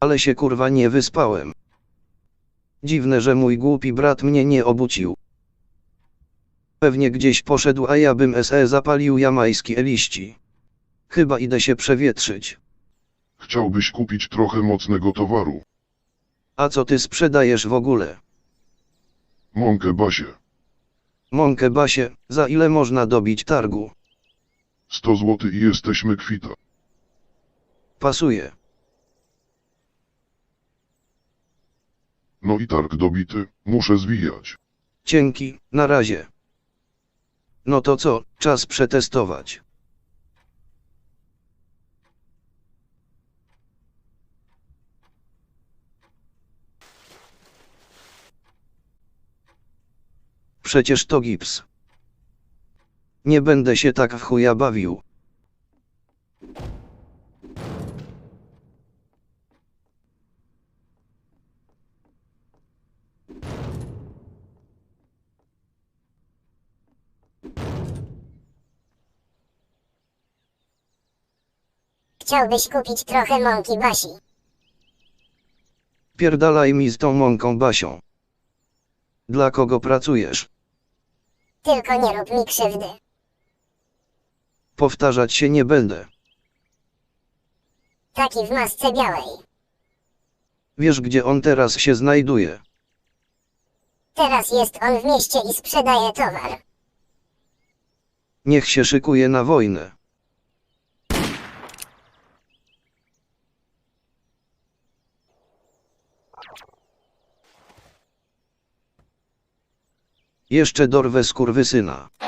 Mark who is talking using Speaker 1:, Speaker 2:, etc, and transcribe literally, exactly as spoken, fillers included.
Speaker 1: Ale się kurwa nie wyspałem. Dziwne, że mój głupi brat mnie nie obudził. Pewnie gdzieś poszedł, a ja bym se zapalił jamańskie liści. Chyba idę się przewietrzyć.
Speaker 2: Chciałbyś kupić trochę mocnego towaru.
Speaker 1: A co ty sprzedajesz w ogóle?
Speaker 2: Mąkę Basie.
Speaker 1: Mąkę Basie, za ile można dobić targu?
Speaker 2: sto złotych i jesteśmy kwita.
Speaker 1: Pasuje.
Speaker 2: No i targ dobity, muszę zwijać.
Speaker 1: Dzięki, na razie. No to co, czas przetestować. Przecież to gips. Nie będę się tak w chuja bawił.
Speaker 3: Chciałbyś kupić trochę mąki Basi.
Speaker 1: Pierdalaj mi z tą mąką Basią. Dla kogo pracujesz?
Speaker 3: Tylko nie rób mi krzywdy.
Speaker 1: Powtarzać się nie będę.
Speaker 3: Taki w masce białej.
Speaker 1: Wiesz, gdzie on teraz się znajduje?
Speaker 3: Teraz jest on w mieście i sprzedaje towar.
Speaker 1: Niech się szykuje na wojnę. Jeszcze dorwę skurwysyna.